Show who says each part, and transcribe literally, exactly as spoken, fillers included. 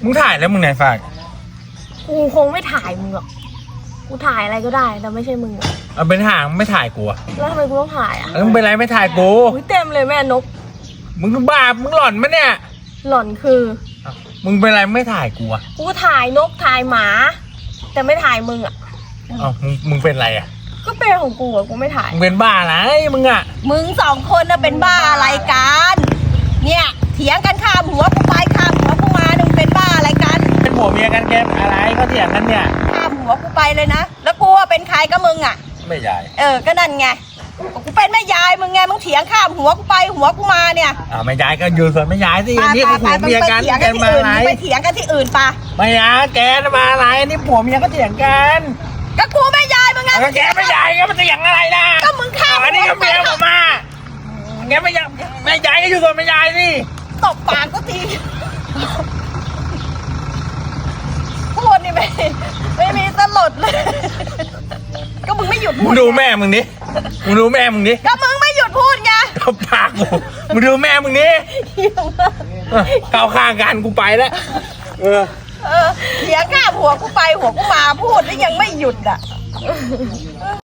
Speaker 1: มึงถ่ายแล้วมึงไหนฝาก
Speaker 2: กูคงไม่ถ่ายมึงหรอกกูถ่ายอะไรก็ได้แต่ไม่ใช่มึงอะ
Speaker 1: เอาเป็นห่างไม่ถ่ายกูอะ
Speaker 2: แล้วทำไมกูต้องถ่ายอ่ะ
Speaker 1: แล้วมึงเป็นไรไม่ถ่ายกู
Speaker 2: อุ้ยเต็มเลยแม่นก
Speaker 1: มึงบ้ามึงหล่อนมะเนี่ย
Speaker 2: หล่อนคือ
Speaker 1: อ้าวมึงเป็นไรไม่ถ่ายกูอะ
Speaker 2: กูถ่ายนกถ่ายหมา แต่ไม่ถ่ายมึงอ่ะ
Speaker 1: อ้าวมึงมึงเป็นไรอะ
Speaker 2: ก็เป็นของกูอ่ะกูไม่ถ่าย
Speaker 1: มึงเป็นบ้าอะไรมึงอะ
Speaker 3: มึงสองคนน่ะเป็นบ้าอะไรกันเนี่ยเถียงกันข้ามหัวกูไปข้ามหัวกูมาเนี่ยมึงเป็นบ้าอะไรกัน
Speaker 1: เป็นผัวเมียกันแกอะไรก็เถียงกันเนี่ย
Speaker 3: ข้ามหัวกูไปเลยนะแล้วกูว่าเป็นใครก็มึงอ่ะ
Speaker 1: ไม่ใหญ่
Speaker 3: เออก็นั่นไงกูเป็นแม่ยายมึงไงมึงเถียงข้ามหัวกูไปหัวกูมาเนี่ย
Speaker 1: อ่าไม่ย้ายก็อยู่ส่วนไม่ย้ายสิอันนี้ก็ผัว
Speaker 3: ไป
Speaker 1: เมีย
Speaker 3: ไป
Speaker 1: กัน
Speaker 3: เถียง
Speaker 1: แก
Speaker 3: กันที่
Speaker 1: มา
Speaker 3: อื่น
Speaker 1: อะไร
Speaker 3: ไปเถียงกันที่อื่นปะ
Speaker 1: ไม่ย้ายแกมาอะไรอันนี้ผัวเมียก็เถียงกัน
Speaker 3: ก็กูแม่ยายมึงไง
Speaker 1: แล้วแกไม่ย้ายก็มันเถียงอะไรล่ะ
Speaker 3: ก็มึงข้าม
Speaker 1: อันนี้ก็เมียผมมาแกไม่ย้ายไม่ย้ายก็อยู่ส่วนไม่ย้ายสิ
Speaker 3: ตบปากก็ทีพูดนี่ไม่ไม่มีสลดเลย ก็มึงไม่หยุด
Speaker 1: มึ
Speaker 3: พู
Speaker 1: ง
Speaker 3: ด
Speaker 1: ดูแม่มึงดิมึงดูแม่มึงดิ
Speaker 3: ก็มึงไม่หยุดพูดไง
Speaker 1: ตบปากกูมึงดูแม่มึงดิเออเข้าข้างกันกูไปแล้วเออ
Speaker 3: เออเถียงข้ามหัวกูไปหัวกูมาพูดแล้วยังไม่หยุดอ่ะ